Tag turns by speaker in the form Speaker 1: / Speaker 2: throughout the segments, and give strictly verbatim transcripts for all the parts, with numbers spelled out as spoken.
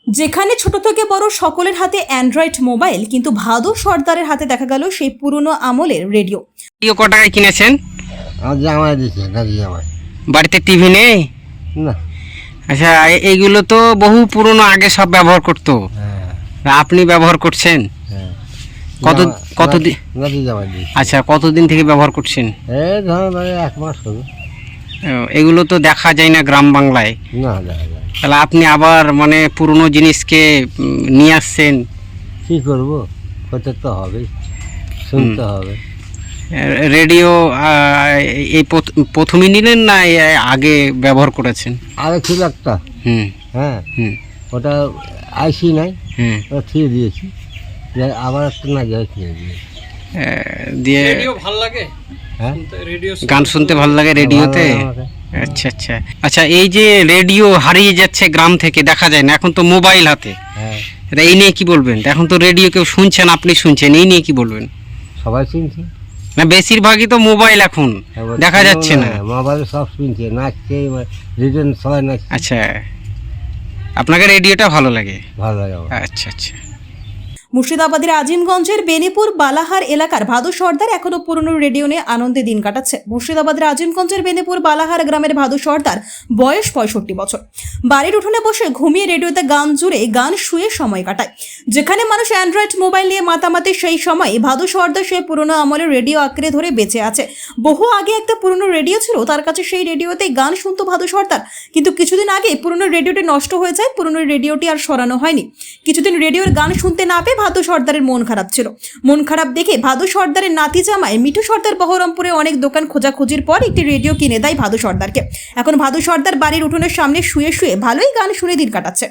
Speaker 1: যেখানে ছোট থেকে বড় সকলের হাতে অ্যান্ড্রয়েড মোবাইল, কিন্তু ভাদু সর্দারের হাতে দেখা গেল সেই পুরনো আমলের রেডিও।
Speaker 2: রেডিও ক টাকায় কিনেছেন?
Speaker 3: আমার জামাই দিচ্ছে, নাকি জামাই।
Speaker 2: বাড়িতে টিভি নেই?
Speaker 3: না।
Speaker 2: আচ্ছা, এ- এইগুলো তো বহু পুরনো, আগে সব ব্যবহার করতো,
Speaker 3: হ্যাঁ
Speaker 2: আপনি ব্যবহার করছেন?
Speaker 3: হ্যাঁ।
Speaker 2: কত
Speaker 3: জামা-
Speaker 2: কতদিন?
Speaker 3: নাকি জামাই দিচ্ছে।
Speaker 2: আচ্ছা, কতদিন থেকে ব্যবহার করছেন?
Speaker 3: এই ধরো ধরো এক মাস হবে।
Speaker 2: ও, এগুলো তো দেখা যায় না গ্রাম বাংলায়,
Speaker 3: না দেখা যায়।
Speaker 2: তাহলে আপনি আবার মানে পুরনো জিনিসকে উম, নিয়ে আসছেন।
Speaker 3: কী করবো, করতে তো হবে, শুনতে হবে।
Speaker 2: এ- রেডিও আহ, এই প্রথ- প্রথমেই নিলেন না এ আগে ব্যবহার করেছেন?
Speaker 3: আগে ছিল একটা,
Speaker 2: হুম
Speaker 3: হ্যাঁ,
Speaker 2: হুম
Speaker 3: ওটা আইসি নাই,
Speaker 2: হুম
Speaker 3: ওটা থিয়ে দিয়েছি, যে আবার একটা না যায় থিয়ে দিয়েছি।
Speaker 2: এ, দিয়ে
Speaker 4: ভালো লাগে
Speaker 3: হ্যাঁ,
Speaker 4: রেডিও
Speaker 2: গান শুনতে ভালো লাগে রেডিওতে?
Speaker 3: ভালো লাগে আমাকে।
Speaker 2: আচ্ছা আচ্ছা আচ্ছা, এই যে রেডিও হারিয়ে যাচ্ছে গ্রাম থেকে, দেখা যায় না, এখন তো মোবাইল হাতে,
Speaker 3: হ্যাঁ,
Speaker 2: তা এই নিয়ে কি বলবেন? এখন তো রেডিও কেউ শুনছেন, আপনি শুনছেন, এই নিয়ে কি বলবেন?
Speaker 3: সবাই চিনছে,
Speaker 2: না, বেশিরভাগই তো মোবাইল এখন দেখা যাচ্ছে না।
Speaker 3: মোবাইলে সব শুনছে, নাচছে, রিটার্ন সবাই নাচছে।
Speaker 2: আচ্ছা, আপনাকে রেডিওটা ভালো লাগে?
Speaker 3: ভালো লাগে আমার।
Speaker 2: আচ্ছা আচ্ছা।
Speaker 1: মুর্শিদাবাদের আজিমগঞ্জের বেনিপুর বালাহার এলাকার ভাদু সর্দার এখনো পুরনো রেডিও নিয়ে আনন্দে দিন কাটাচ্ছে। মুর্শিদাবাদের আজিমগঞ্জের বেনিপুর বালাহার গ্রামের ভাদু সর্দার, বয়স পঁয়ষট্টি বছর, বাড়ির উঠোনে বসে ঘুমিয়ে রেডিওতে গান জুড়ে গান শুয়ে সময় কাটায়। যেখানে মানুষ অ্যান্ড্রয়েড মোবাইল নিয়ে মাতামাতি, সেই সময় ভাদু সর্দার সেই পুরনো আমলের রেডিও আঁকড়ে ধরে বেঁচে আছে। বহু আগে একটা পুরনো রেডিও ছিল তার কাছে, সেই রেডিওতে গান শুনতো ভাদু সর্দার। কিন্তু কিছুদিন আগে পুরনো রেডিওটি নষ্ট হয়ে যায়, পুরনো রেডিওটি আর সরানো হয়নি। কিছুদিন রেডিওর গান শুনতে না পেয়ে ভাদু সর্দারের মন খারাপ ছিল। মন খারাপ দেখে ভাদু সর্দারের নাতি জামাই মিঠু সর্দার বহরমপুরে অনেক দোকান খোঁজাখুঁজির পর একটি রেডিও কিনে দেয় ভাদু সর্দারকে। এখন ভাদু সর্দার বাড়ির উঠোনের সামনে শুয়ে শুয়ে ভালোই গান শুনে দিন কাটাচ্ছে।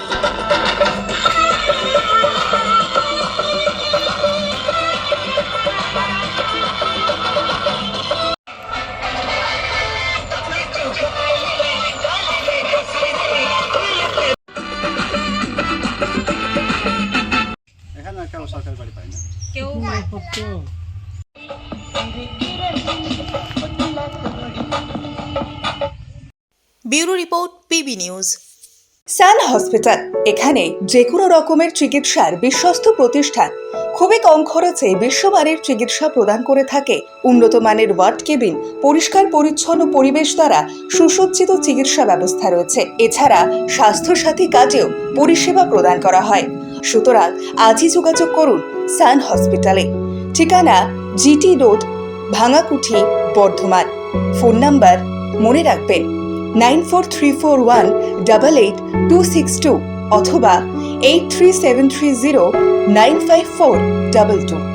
Speaker 5: Bureau report, PB news. Sun Hospital, এখানে যে কোনো রকমের চিকিৎসার বিশ্বস্ত প্রতিষ্ঠান। খুবই কম খরচে বিশ্বমানের চিকিৎসা প্রদান করে থাকে। উন্নত মানের ওয়ার্ড কেবিন, পরিষ্কার পরিচ্ছন্ন পরিবেশ দ্বারা সুসজ্জিত চিকিৎসা ব্যবস্থা রয়েছে। এছাড়া স্বাস্থ্যসাথী কাজেও পরিষেবা প্রদান করা হয়। সুতরাং আজই যোগাযোগ করুন সান হসপিটালে। ঠিকানা GT road, Bhangakuthi, Bardhaman. Phone number মনে রাখবেন nine four three four one double eight two six two অথবা eight three seven three zero nine five four double two.